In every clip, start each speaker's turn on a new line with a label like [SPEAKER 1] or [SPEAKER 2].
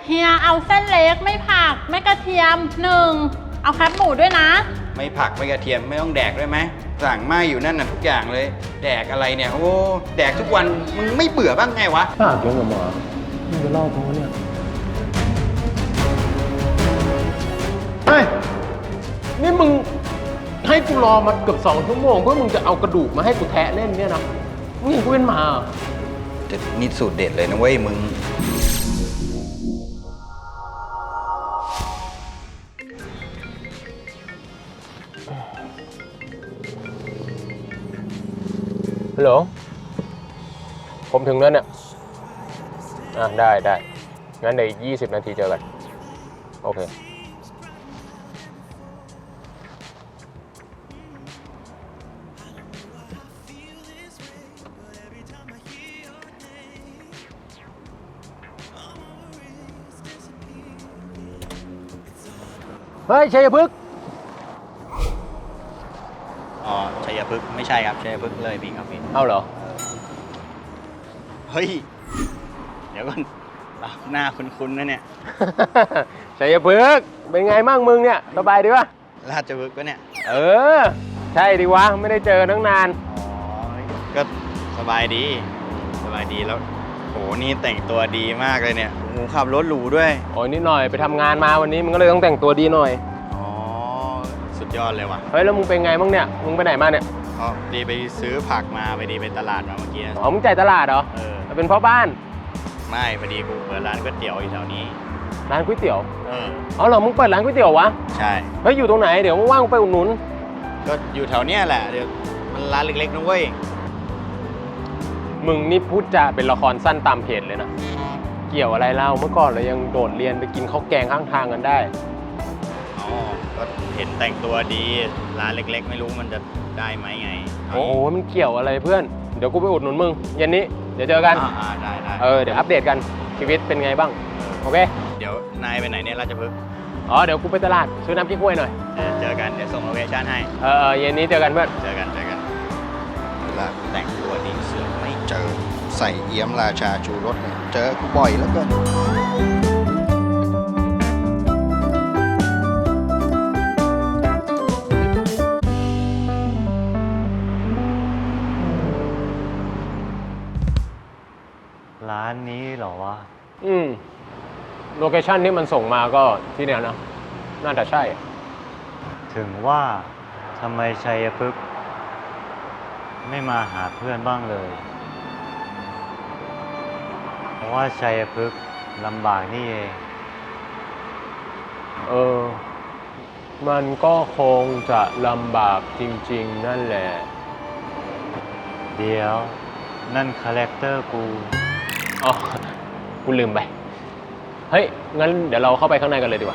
[SPEAKER 1] เฮียเอาเส้นเล็กไม่ผักไม่กระเทียม1เอาแคบหมูด้วยนะ
[SPEAKER 2] ไม่ผักไม่กระเทียมไม่ต้องแดกด้วยไหมสั่งมาอยู่นั่นน่ะทุกอย่างเลย แดกอะไรเนี่ยโอ้แดกทุกวันมึงไม่เบื่อบ้างไงวะ
[SPEAKER 3] ปากยังกับหมามึงจะเล่ากูเนี่ยเฮ้ยนี่มึงให้กูรอมาเกือบ2 ชั่วโมงเพื่อมึงจะเอากระดูกมาให้กูแทะเล่นเนี่ยนะมึงเห็นกูเป็นหมาเหรอ
[SPEAKER 2] แต่นี่สูตรเด็ดเลยนะเว้ยมึง
[SPEAKER 3] ฮัลโหลผมถึงแล้วเนี่ยได้งั้นเดี๋ยวอีก20 นาทีเจอกันโอเคเฮ้ยชัยพฤกษ์
[SPEAKER 2] อ๋อชัยพฤกษ์ไม่ใช่ครับชัยพฤกษ์เลยพี่ครับพี่
[SPEAKER 3] เอาเหรอ
[SPEAKER 2] เฮ้ยเดี๋ยวก่อนหน้าคุ้นๆนะเนี่ย
[SPEAKER 3] ชัยพฤกษ์เป็นไงมั่งมึงเนี่ยสบายดีปะ
[SPEAKER 2] ราชพฤกษ์ก็เนี่ย
[SPEAKER 3] เออใช่ดิวะไม่ได้เจอตั้งนาน
[SPEAKER 2] อ๋อก็สบายดีแล้วโหนี่แต่งตัวดีมากเลยเนี่ยโอ้ขับรถหรูด้วย
[SPEAKER 3] โอ้ยนิดหน่อยไปทำงานมาวันนี้มึงก็เลยต้องแต่งตัวดีหน่อย
[SPEAKER 2] อ๋อสุดยอดเลยว่ะ
[SPEAKER 3] เฮ้ยแล้วมึงเป็นไงบ้างเนี่ยมึงไปไหนมาเนี่ย
[SPEAKER 2] อ๋อดีไปซื้อผักมาไปดีไปตลาดมาเมื่อกี้
[SPEAKER 3] อ๋อมึงจ่ายตลาดเหรอ
[SPEAKER 2] เออ
[SPEAKER 3] เป็นพ่อบ้าน
[SPEAKER 2] ไม่พอดีกูเปิดร้านก๋วยเตี๋ยวอยู่แถวนี้
[SPEAKER 3] ร้านก๋วยเตี๋ยว
[SPEAKER 2] เออ
[SPEAKER 3] อ๋อเหรอมึงเปิดร้านก๋วยเตี๋ยววะ
[SPEAKER 2] ใช่
[SPEAKER 3] เฮ้ยอยู่ตรงไหนเดี๋ยวว่างๆไปอุดหนุน
[SPEAKER 2] ก็อยู่แถวเนี้ยแหละเดี๋ยวมันร้านเล็กๆนะเว้ย
[SPEAKER 3] มึงนี่พูดจาเป็นละครสั้นตามเพจเลยนะเกี่ยวอะไรเล่าเมื่อก่อนเรายังโดดเรียนไปกินข้าวแกงข้างทางกันได้
[SPEAKER 2] อ๋อก็เห็นแต่งตัวดีร้านเล็กๆ ไม่รู้มันจะได้ไหมไง
[SPEAKER 3] โอ้โหมันเกี่ยวอะไรเพื่อนเดี๋ยวกูไปอุดหนุนมึงเย็นนี้เดี๋ยวเจอกัน
[SPEAKER 2] ได้
[SPEAKER 3] เดี๋ยวอัปเดตกันชีวิตเป็นไงบ้างโอเค
[SPEAKER 2] เดี๋ยวนายไปไหนเนี่ยราชพฤกษ์
[SPEAKER 3] อ๋อเดี๋ยวกูไปตลาดซื้อน้ำพริกห้วยหน่อย
[SPEAKER 2] เจอกันเดี๋ยวส่งโลเคชั่นให้
[SPEAKER 3] เย็นนี้เจอกันเพื่อน
[SPEAKER 2] เจอกันแล้วแต่งตัวดีเสือกไม่เจอใส่เอี้ยมราชาชูรสเนี่ยเจอกูบ่อยแล้วเกิน
[SPEAKER 4] ร้านนี้เหรอวะ
[SPEAKER 3] โลเคชั่นที่มันส่งมาก็ที่เนี่ยนะน่าจะใช่
[SPEAKER 4] ถึงว่าทำไมชัยพฤกษ์ไม่มาหาเพื่อนบ้างเลย เพราะว่าชัยพฤกษ์ลำบากนี่เอง
[SPEAKER 3] มันก็คงจะลำบากจริงๆนั่นแหละ
[SPEAKER 4] เดี๋ยวนั่นคาแรคเตอร์กู
[SPEAKER 3] อ๋อกูลืมไปเฮ้ยงั้นเดี๋ยวเราเข้าไปข้างในกันเลยดีกว่า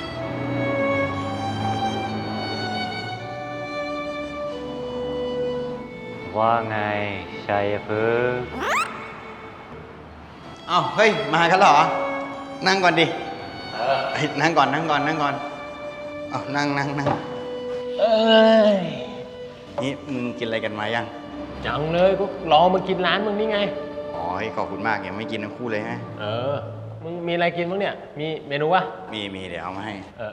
[SPEAKER 4] ว่าไงชัยพฤกษ์
[SPEAKER 2] อ้าวเฮ้ยมากันเหรอ นั่งก่อนดิเฮ้ยนั่งก่อนอ้าวนั่ง
[SPEAKER 3] เอ้ย
[SPEAKER 2] นี่มึงกินอะไรกันมายัง
[SPEAKER 3] จังเลยก็รอมากินร้านมึงนี่ไง
[SPEAKER 2] อ๋อขอบคุณมากยังไม่กินทั้งคู่เลยฮะ
[SPEAKER 3] มึงมีอะไรกินบ้างเนี่ย มีเมนูวะ
[SPEAKER 2] มีเดี๋ยวเอามาให้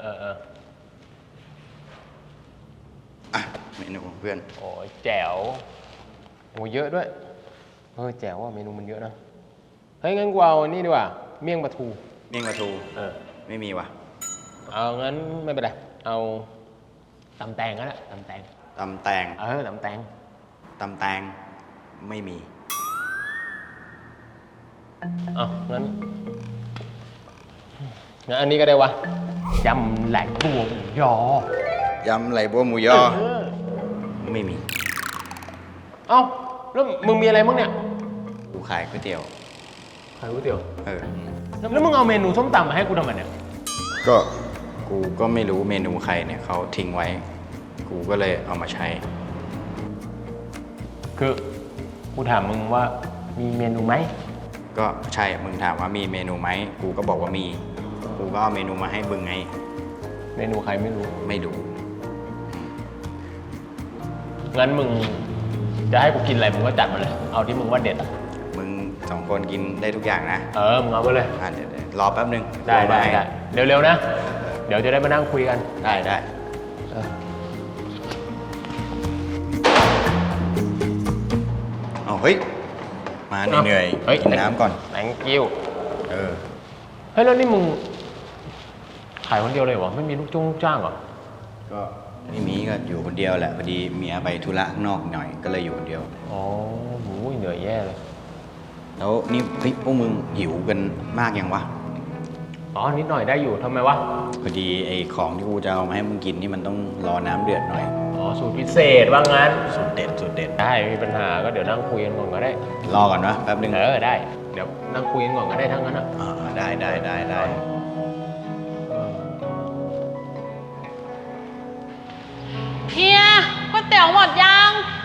[SPEAKER 2] อ่ะเมนูของเพื่อน
[SPEAKER 3] โอ้ยแจ๋วโอ้เยอะด้วยแจ๋วว่าเมนูมันเยอะนะเฮ้ยงั้นกูเอานี่ดีกว่าเมี่ยงปลาทู
[SPEAKER 2] เมี่ยงปลาทูไม่มีว่ะ
[SPEAKER 3] เอางั้นไม่เป็นไรเอาตำแตงก็ได้ตำแตง
[SPEAKER 2] ตำแตง
[SPEAKER 3] ตำแตง
[SPEAKER 2] ตำแตงไม่มี
[SPEAKER 3] งั้นอันนี้ก็ได้วะยำแหลกบัวหมูยอย
[SPEAKER 2] ำไหลบัวหมูยอ ไม่มี
[SPEAKER 3] เอ้าแล้วมึงมีอะไรบ้างเนี่ย
[SPEAKER 2] กูขายก๋วยเตี๋ยว
[SPEAKER 3] ขายก๋วยเตี๋ยว
[SPEAKER 2] แล้ว
[SPEAKER 3] มึงเอาเมนูส้มตำมาให้กูทำไมเนี่ย
[SPEAKER 2] ก็กูก็ไม่รู้เมนูใครเนี่ยเขาทิ้งไว้ กูก็เลยเอามาใช้
[SPEAKER 3] คือกูถามมึงว่ามีเมนูไหม
[SPEAKER 2] ก็ใช่มึงถามว่ามีเมนูไหมกูก็บอกว่ามี กูก็เอาเมนูมาให้มึงไง
[SPEAKER 3] เมนูใครไม่รู้
[SPEAKER 2] ไม่รู้
[SPEAKER 3] งั้นมึงจะให้กูกินอะไรมึงก็จัดมาเลย เอาที่มึงว่าเด็ดอ่ะ
[SPEAKER 2] มึง 2 คนกินได้ทุกอย่างนะ
[SPEAKER 3] มึงเอาไปเลย
[SPEAKER 2] เดี๋ยวรอแป๊บนึง
[SPEAKER 3] ได้เร็วๆนะ เดี๋ยวจะได้มานั่งคุยกัน
[SPEAKER 2] ได้ เอาเฮ้ย มาเหนื่อยๆกินน้ำก่อน
[SPEAKER 3] thank you
[SPEAKER 2] เ
[SPEAKER 3] ฮ้ยแล้วนี่มึงขายคนเดียวเลยวะไม่มีลูกจ้างเหรอ
[SPEAKER 2] ก็ไม่มีก็อยู่คนเดียวแหละพอดีเมียไปธุระข้างนอกหน่อยก็เลยอยู่คนเดียว
[SPEAKER 3] อ๋อโหเหนื่อยแย่เลย
[SPEAKER 2] แล้วนี่เฮ้ยพวกมึงหิวกันมากยังวะ
[SPEAKER 3] อ๋อนิดหน่อยได้อยู่ทำไมวะ
[SPEAKER 2] พอดีไอ้ของที่กูจะเอามาให้มึงกินนี่มันต้องรอน้ำเดือดหน่อย
[SPEAKER 3] อ๋อสูตรพิเศษว่างั้น
[SPEAKER 2] สุดเด็ด
[SPEAKER 3] ได้ไม่มีปัญหาก็เดี๋ยวนั่งคุยกันก่อนก็ได้
[SPEAKER 2] รอก่อนนะแป๊บนึง
[SPEAKER 3] ได้ เดี๋ยวนั่งคุยกันก่อนก็ได้ทั้งนั้นอ่ะ
[SPEAKER 2] ได้
[SPEAKER 1] เฮียก๋วยเตี๋ยวหมดยัง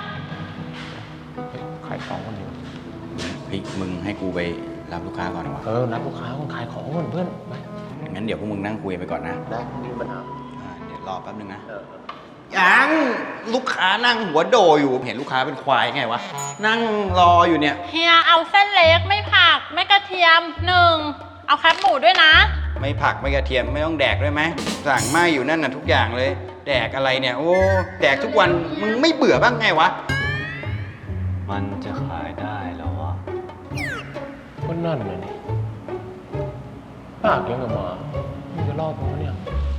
[SPEAKER 3] ขายของคนเดียว
[SPEAKER 2] เฮ้ยมึงให้กูไปรับลูกค้าก่อนวะ
[SPEAKER 3] นัดลูกค้าคนขายของก่อนเพื่อนไป
[SPEAKER 2] งั้นเดี๋ยวพวกมึงนั่งคุยไปก่อนนะ
[SPEAKER 3] ได้ไม่มีปัญหา
[SPEAKER 2] เดี๋ยวรอแป๊บนึงนะยังลูกค้านั่งหัวโดอยู่เห็นลูกค้าเป็นควายไงวะนั่งรออยู่เนี่ย
[SPEAKER 1] เฮียเอาเส้นเล็กไม่ผักไม่กระเทียม1เอาแคบหมูด้วยนะ
[SPEAKER 2] ไม่ผักไม่กระเทียมไม่ต้องแดกด้วยไหมสั่งมาอยู่นั่นน่ะทุกอย่างเลย แดกอะไรเนี่ยโอ้แดกทุกวันมึงไม่เบื่อบ้างไงวะ
[SPEAKER 4] มันจะขายได้แล้ววะ
[SPEAKER 3] ก็นั่นเลยนี่ปากยังกับหมามึงจะรอดมั้งเนี่ย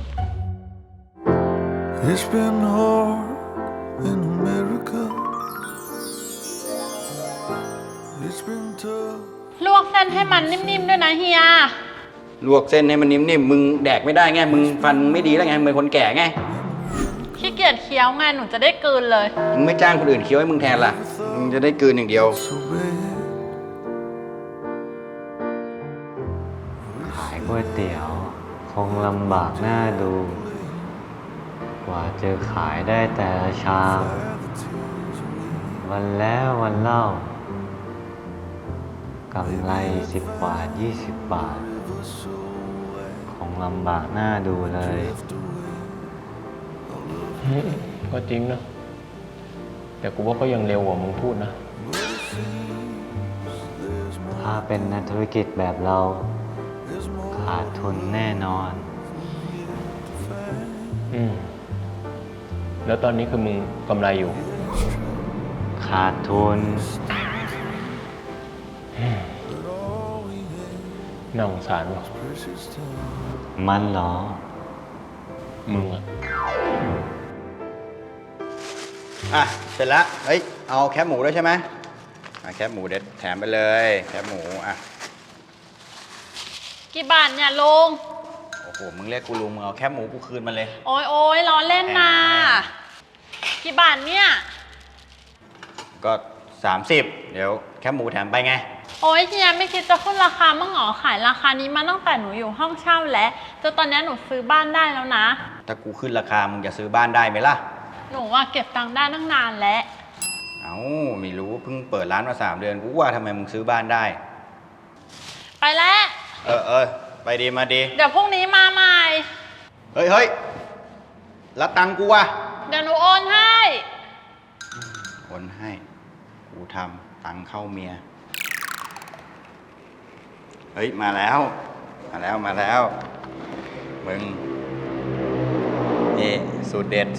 [SPEAKER 5] It's been hard in America. It's been tough.
[SPEAKER 1] ลวกเส้นให้มันนิ่มๆด้วยนะเฮีย
[SPEAKER 2] ลวกเส้นให้มันนิ่มๆมึงแดกไม่ได้ไงมึงฟันไม่ดีแล้วไงมึงเป็นคนแก่ไง
[SPEAKER 1] ขี้เกียจเคี้ยวไงหนูจะได้กลืนเลย
[SPEAKER 2] มึงไม่จ้างคนอื่นเคี้ยวให้มึงแทนล่ะมึงจะได้กลืนอย่างเดียว
[SPEAKER 5] So bad.
[SPEAKER 4] ขายก๋วยเตี๋ยวคงลำบากหน้าดู กว่าจะขายได้แต่ละชาม วันแล้ววันเล่ากำไร10 บาท 20 บาท คงลำบากหน้าดูเลย
[SPEAKER 3] ก็จริงนะ แต่กูว่าก็ยังเร็วกว่ามึงพูดนะ
[SPEAKER 4] ถ้าเป็นนักธุรกิจแบบเรา ขาดทุนแน่นอน
[SPEAKER 3] แล้วตอนนี้คือมึงกำไรอยู่
[SPEAKER 4] ขาดทุน
[SPEAKER 3] น่าสงสารว่ะ
[SPEAKER 4] มันเหรอ
[SPEAKER 3] มึงอะ
[SPEAKER 2] เสร็จแล้วเฮ้ยเอาแคบหมูด้วยใช่ไหมแคบหมูเด็ดแถมไปเลยแคบหมู
[SPEAKER 1] กี่บาทเนี่ยลุง
[SPEAKER 2] โอ้โหมึงเรียกกูลุงมึงเอาแคบหมูกูคืนมาเลย
[SPEAKER 1] โอ้ยล้อเล่นนะกี่บาทเนี่ย
[SPEAKER 2] ก็30เดี๋ยวแคบหมูแถมไปไง
[SPEAKER 1] โอ้ยเฮียไม่คิดจะขึ้นราคามั่งหรอขายราคานี้มาตั้งแต่หนูอยู่ห้องเช่าแล้วจนตอนนี้หนูซื้อบ้านได้แล้วนะ
[SPEAKER 2] ถ้ากูขึ้นราคามึงจะซื้อบ้านได้ไหมล่ะ
[SPEAKER 1] หนูว่าเก็บตังค์ได้ตั้งนานแล้ว
[SPEAKER 2] เอ้าไม่รู้เพิ่งเปิดร้านมา3 เดือนกูว่าทำไมมึงซื้อบ้านได้
[SPEAKER 1] ไปแล้ว
[SPEAKER 2] ไปดีมาดี
[SPEAKER 1] เดี๋ยวพรุ่งนี้มาใหม่
[SPEAKER 2] เฮ้ยแล้วตังกูวะ
[SPEAKER 1] เดี๋ยวหนูโอนให้
[SPEAKER 2] โอนให้กูทำตังเข้าเมียเฮ้ยมาแล้วมึงนี่สูตรเด็ด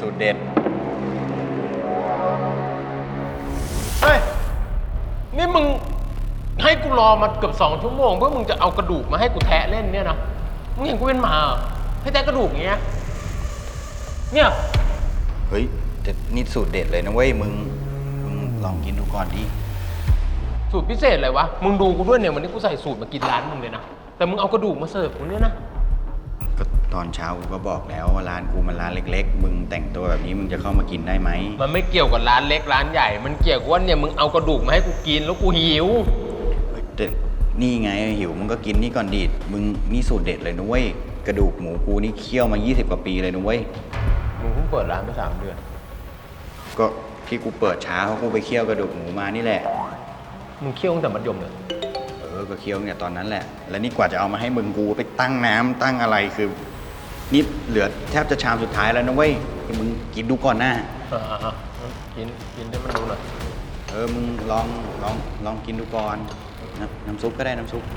[SPEAKER 3] เฮ้ย นี่มึงให้กูรอมาเกือบ2 ชั่วโมงเพื่อมึงจะเอากระดูกมาให้กูแทะเล่นเนี่ยนะ มึงเห็นกูเป็นหมาเหรอให้แทะกระดูกอย่างเงี้ย เนี่ย
[SPEAKER 2] เฮ้ยแต่นี่สูตรเด็ดเลยนะเว้ยมึงลองกินดูก่อนดิ
[SPEAKER 3] สูตรพิเศษอะไรวะ มึงดูกูด้วยเนี่ยวันนี้กูใส่สูตรมากินร้านมึงเลยนะ แต่มึงเอากระดูกมาเสิร์ฟกูเนี่ยนะ
[SPEAKER 2] ก็ตอนเช้ากูก็บอกแล้วว่าร้านกูมันร้านเล็กๆมึงแต่งตัวแบบนี้มึงจะเข้ามากินได้ไหม
[SPEAKER 3] มันไม่เกี่ยวกับร้านเล็กร้านใหญ่ มันเกี่ยวกับว่าเนี่ยมึงเอากระดูกมาให้กูกินแล้วกูหิว
[SPEAKER 2] แต่นี่ไงหิวมึงก็กินนี่ก่อนดิมึงนี่สูตรเด็ดเลยนะเว้ยกระดูกหมูกูนี่เคี่ยวมา20 กว่าปีเลยนะเว้ย
[SPEAKER 3] มึงเพิ่งเปิดร้านมา3 เดือน
[SPEAKER 2] ก็ที่กูเปิดช้าเพราะกูไปเคี่ยวกระดูกหมูมานี่แหละ
[SPEAKER 3] มึงเคี่ยวตั้งแต่มัธยมเลย
[SPEAKER 2] ก็เคี่ยวเนี่ยตอนนั้นแหละ แล้วนี่กว่าจะเอามาให้มึงกูไปตั้งน้ำตั้งอะไรคือนี่เหลือแทบจะชามสุดท้ายแล้วนะเว้ยมึงกินดูก่อนนะ
[SPEAKER 3] กินให้มันดูหน่อย
[SPEAKER 2] มึงลองกินดูก่อนน้ำซุปก็ได้น้ำซุป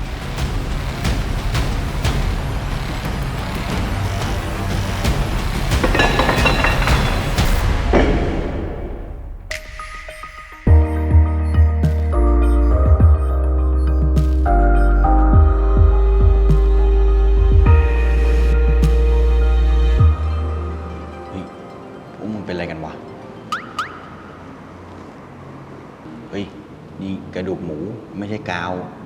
[SPEAKER 2] เฮ้ยพวกมึงเป็นอะไรกันวะ เฮ้ย นี่กระดูกหมูไม่ใช่กาว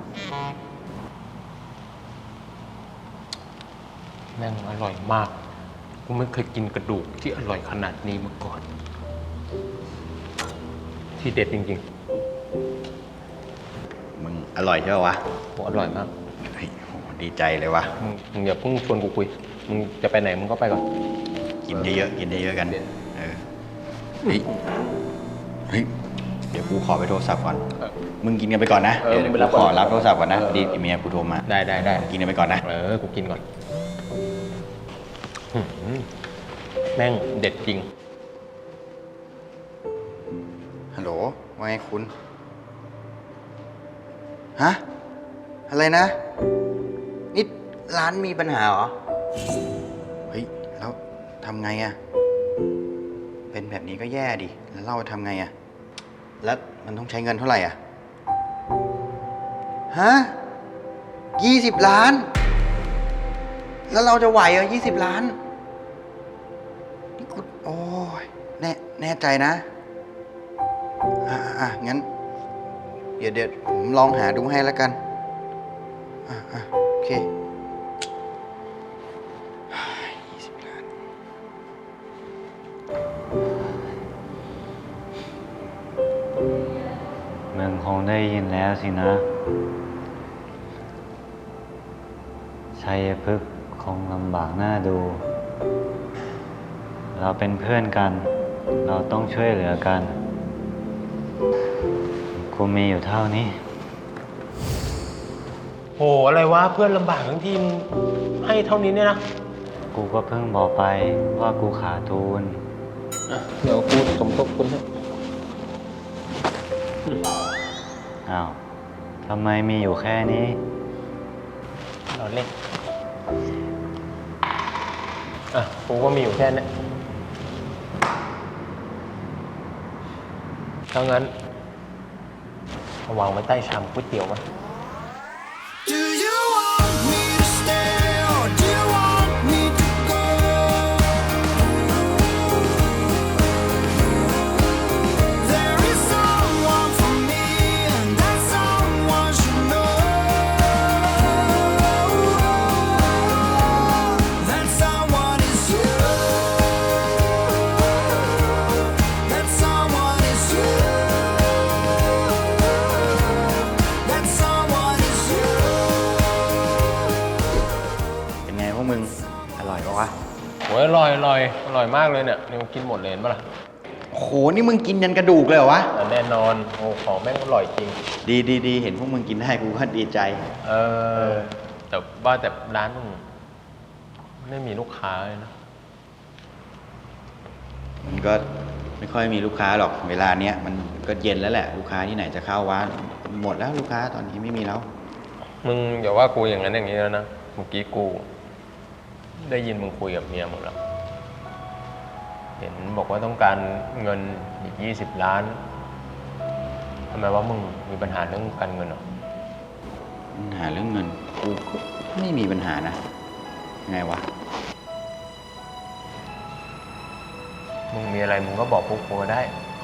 [SPEAKER 3] แม่งอร่อยมาก กูไม่เคยกินกระดูกที่อร่อยขนาดนี้มาก่อน ที่เด็ดจริง
[SPEAKER 2] มึงอร่อยใช่ปะวะ
[SPEAKER 3] ๆโหอร่อยมาก
[SPEAKER 2] เฮ้ยโหดีใจเลยวะ
[SPEAKER 3] มึงอย่าเพิ่งชวนกูคุย มึงจะไปไหนมึงก็ไปก่อน
[SPEAKER 2] กินเยอะๆกินเยอะๆกัน เออ เฮ้ย เฮ้ย เดี๋ยวกูขอไปโทรศัพท์ก่อน
[SPEAKER 3] เออ
[SPEAKER 2] มึงกินกันไปก่อนนะ
[SPEAKER 3] เออ
[SPEAKER 2] เดี๋ยว
[SPEAKER 3] มึงไปรับ
[SPEAKER 2] กูขอ
[SPEAKER 3] ก่อน
[SPEAKER 2] รับโทรศัพท์ก่อนนะ
[SPEAKER 3] เออ
[SPEAKER 2] ดีเมียกูโทรมา
[SPEAKER 3] ได้
[SPEAKER 2] กินกันไปก่อนนะ
[SPEAKER 3] กูกินก่อนหืมแม่งเด็ดจริง
[SPEAKER 2] ฮัลโหล ว่าไงคุณ ฮะ อะไรนะ นี่ร้านมีปัญหาเหรอ เฮ้ย แล้วทำไงอะเป็นแบบนี้ก็แย่ดิ แล้วเราทำไงอะแล้วมันต้องใช้เงินเท่าไหร่อะฮะ20 ล้าน แล้วเราจะไหวเหรอ20 ล้าน นี่กูโอ้ยแน่ใจนะ งั้น เดี๋ยวผมลองหาดูให้แล้วกัน โอเค20 ล้าน
[SPEAKER 4] มึงคงได้ยินแล้วสินะ ชัยพฤกษ์คงลำบากหน้าดู เราเป็นเพื่อนกัน เราต้องช่วยเหลือกัน กูมีอยู่เท่านี้
[SPEAKER 3] โห อะไรวะ เพื่อนลำบากทั้งทีมให้เท่านี้เนี่ยนะ
[SPEAKER 4] กูก็เพิ่งบอกไปว่ากูขาดทุน
[SPEAKER 3] เดี๋ยวกูสมทบคุณให้
[SPEAKER 4] อ้าว ทำไมมีอยู่แค่นี้
[SPEAKER 3] เราเล่น กูก็มีอยู่แค่นี้ถ้างั้นเอาวางไว้ใต้ชามก๋วยเตี๋ยวมั้ย
[SPEAKER 5] Do you want me to stay or do you want me to go? There is someone for me and that someone should know. That someone is you. That someone is you. That someone is you.
[SPEAKER 2] เป็นไงพวกมึง อร่อยปะวะ
[SPEAKER 3] โอ้ยอร่อยอร่อยมากเลยเนี่ยนี่กูกินหมดเลยเห็นปะล่ะ
[SPEAKER 2] โห นี่มึงกินยันกระดูกเลยเหรอวะ
[SPEAKER 3] แน่นอน โอ้ของแม่งอร่อยจริง
[SPEAKER 2] ดี เห็นพวกมึงกินได้กูก็ดีใจ
[SPEAKER 3] แต่ว่าแต่ร้านมึงไม่มีลูกค้าเลยนะ
[SPEAKER 2] มันก็ไม่ค่อยมีลูกค้าหรอก เวลาเนี้ยมันก็เย็นแล้วแหละ ลูกค้าที่ไหนจะเข้าวะหมดแล้วลูกค้าตอนนี้ไม่มีแล้ว
[SPEAKER 3] มึงอย่าว่ากูอย่างนั้นอย่างนี้แล้วนะ เมื่อกี้กู ได้ยินมึงคุยกับเมียมึงแล้ว เห็นบอกว่าต้องการเงินอีก20 ล้าน ทำไมว่ามึงมีปัญหาเรื่องการเงินเหรอ
[SPEAKER 2] ปัญหาเรื่องเงินกูก็ไม่มีปัญหานะ ไงวะ
[SPEAKER 3] มึงมีอะไรมึงก็บอกพวกกูได้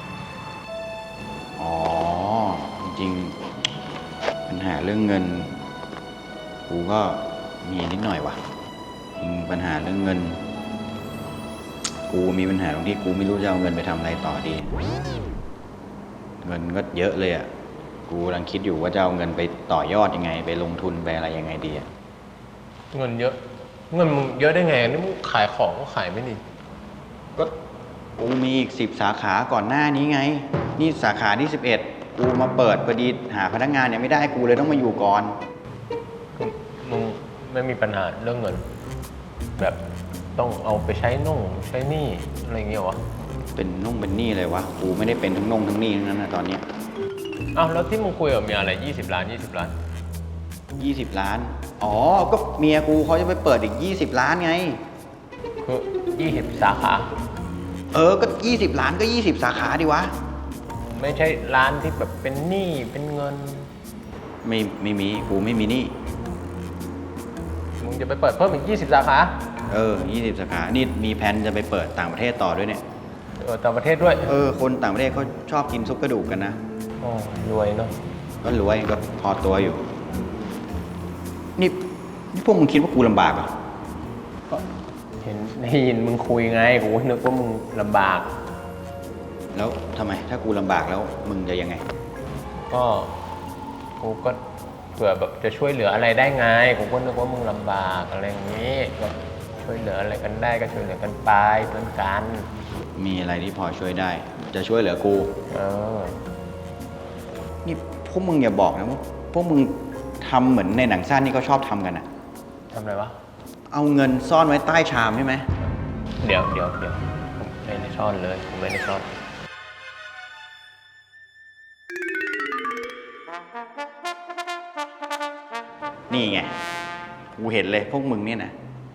[SPEAKER 2] อ๋อ จริงๆปัญหาเรื่องเงิน กูก็มีนิดหน่อยวะจริงปัญหาเรื่องเงิน กูมีปัญหาตรงที่กูไม่รู้จะเอาเงินไปทำอะไรต่อดี เงินก็เยอะเลยอ่ะ กูกำลังคิดอยู่ว่าจะเอาเงินไปต่อยอดยังไง ไปลงทุนไปอะไรยังไงดีอ่ะ
[SPEAKER 3] เงินเยอะ เงินมึงเยอะได้ไง นี่มึงขายของก็ขายไม่ดี
[SPEAKER 2] ก็กูมีอีก10 สาขาก่อนหน้านี้ไง นี่สาขาที่11กูมาเปิดพอดีหาพนักงานยังไม่ได้กูเลยต้องมาอยู่ก่อน
[SPEAKER 3] มึงไม่มีปัญหาเรื่องเงิน แบบต้องเอาไปใช้น่งใช้หนี้อะไรอย่างเงี้ยวะ
[SPEAKER 2] เป็นนุ่งเป็นหนี้เลยวะ กูไม่ได้เป็นทั้งนุ่งทั้งหนี้ทั้งนั้นนะตอนเนี้ย
[SPEAKER 3] เอ้าแล้วที่มึงคุยกับเมียอะไร20 ล้าน 20 ล้าน
[SPEAKER 2] 20 ล้าน อ๋อ ก็เมียกูเขาจะไปเปิดอีก 20 ล้านไง
[SPEAKER 3] คือ20 สาขา
[SPEAKER 2] ก็ 20 ล้านก็ 20 สาขาดิวะ
[SPEAKER 3] ไม่ใช่ร้านที่แบบเป็นหนี้เป็นเงิน
[SPEAKER 2] ไม่มี กูไม่มีหนี่
[SPEAKER 3] มึงจะไปเปิดเพิ่มอีก20 สาขา
[SPEAKER 2] 20 สาขา นี่มีแผนจะไปเปิดต่างประเทศต่อด้วยเนี่ย
[SPEAKER 3] ต่างประเทศด้วย
[SPEAKER 2] คนต่างประเทศเขาชอบกินซุปกระดูกกันนะ
[SPEAKER 3] โอ้รวยเนาะ
[SPEAKER 2] ก็รวยก็พอตัวอยู่ นี่พวกมึงคิดว่ากูลำบากเหรอ
[SPEAKER 3] ก็เห็นได้ยินมึงคุยไงกูก็นึกว่ามึงลำบาก
[SPEAKER 2] แล้วทำไม ถ้ากูลำบากแล้วมึงจะยังไง
[SPEAKER 3] ก็กูก็เผื่อแบบจะช่วยเหลืออะไรได้ไงกูก็นึกว่ามึงลำบากอะไรอย่างนี้ก็ช่วยเหลืออะไรกันได้ก็ช่วยเหลือกันไปเพื่อนกัน
[SPEAKER 2] มีอะไรที่พอช่วยได้ จะช่วยเหลือกู
[SPEAKER 3] เออ
[SPEAKER 2] นี่พวกมึงอย่าบอกนะว่าพวกมึงทำเหมือนในหนังสั้นที่เขาชอบทำกันอะ
[SPEAKER 3] ทำอะไรวะ
[SPEAKER 2] เอาเงินซ่อนไว้ใต้ชามใช่ไหม
[SPEAKER 3] เดี๋ยวผมไม่ได้ซ่อนเลยผมไม่ได้ซ่อน
[SPEAKER 2] นี่ไง กูเห็นเลยพวกมึงเนี่ยนะ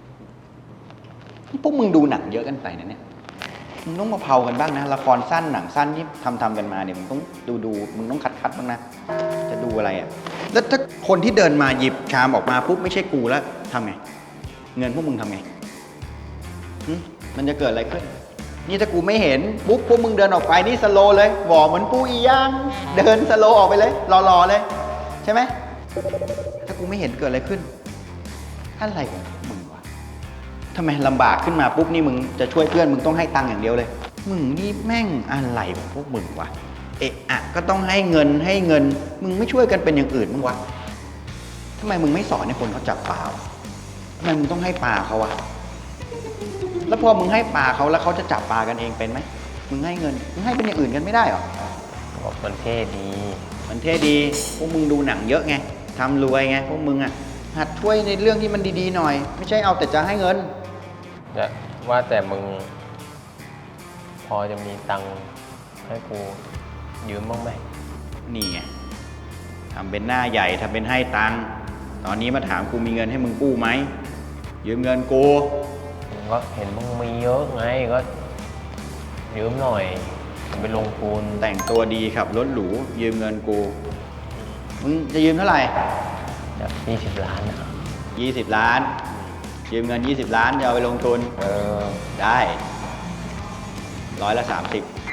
[SPEAKER 2] พวกมึงดูหนังเยอะกันไปนะเนี่ย มึงต้องมาเผากันบ้างนะ ละครสั้นหนังสั้นที่ทำกันมาเนี่ยมึงต้องดูมึงต้องคัดบ้างนะ จะดูอะไรอ่ะ แล้วถ้าคนที่เดินมาหยิบชามออกมาปุ๊บไม่ใช่กูแล้วทำไง เงินพวกมึงทำไงหึมันจะเกิดอะไรขึ้น นี่ถ้ากูไม่เห็นปุ๊บพวกมึงเดินออกไปนี่สโลว์เลยหวอเหมือนปูอีย่างเดินสโลว์ออกไปเลยรอๆเลย ใช่ไหม ถ้ากูไม่เห็นเกิดอะไรขึ้น อะไรของมึงวะทำไมลำบากขึ้นมาปุ๊บนี่มึงจะช่วยเพื่อนมึงต้องให้ตังค์อย่างเดียวเลย มึงนี่แม่งอะไรของพวกมึงวะ เอะอะก็ต้องให้เงิน มึงไม่ช่วยกันเป็นอย่างอื่นมึงวะทำไมมึงไม่สอนให้คนเขาจับปลาวะทำไมมึงต้องให้ปลาเขาวะ แล้วพอมึงให้ปลาเขาแล้วเขาจะจับปลากันเองเป็นไหม มึงให้เงิน มึงให้เป็นอย่างอื่นกันไม่ได้หรอ
[SPEAKER 3] บอกมันเท่ดี
[SPEAKER 2] มันเท่ดี พวกมึงดูหนังเยอะไง ทำรวยไง พวกมึงอ่ะ หัดช่วยในเรื่องที่มันดีๆหน่อย ไม่ใช่เอาแต่จะให้เงิน
[SPEAKER 3] จะว่าแต่มึง พอจะมีตังค์ให้กูยืมบ้างไหม
[SPEAKER 2] นี่ไง ทำเป็นหน้าใหญ่ ทำเป็นให้ตังค์ ตอนนี้มาถามกูมีเงินให้มึงกู้ไหม ยืมเงินกู
[SPEAKER 3] มึงก็เห็นมึงมีเยอะไงก็ยืมหน่อยไปลงทุน
[SPEAKER 2] แต่งตัวดีขับรถหรู ยืมเงินกู มึงจะยืมเท่าไหร่
[SPEAKER 3] แบบ20 ล้านนะ
[SPEAKER 2] 20 ล้าน ยืมเงิน 20 ล้านจะเอาไปลงทุน
[SPEAKER 3] เออ
[SPEAKER 2] ได้ 130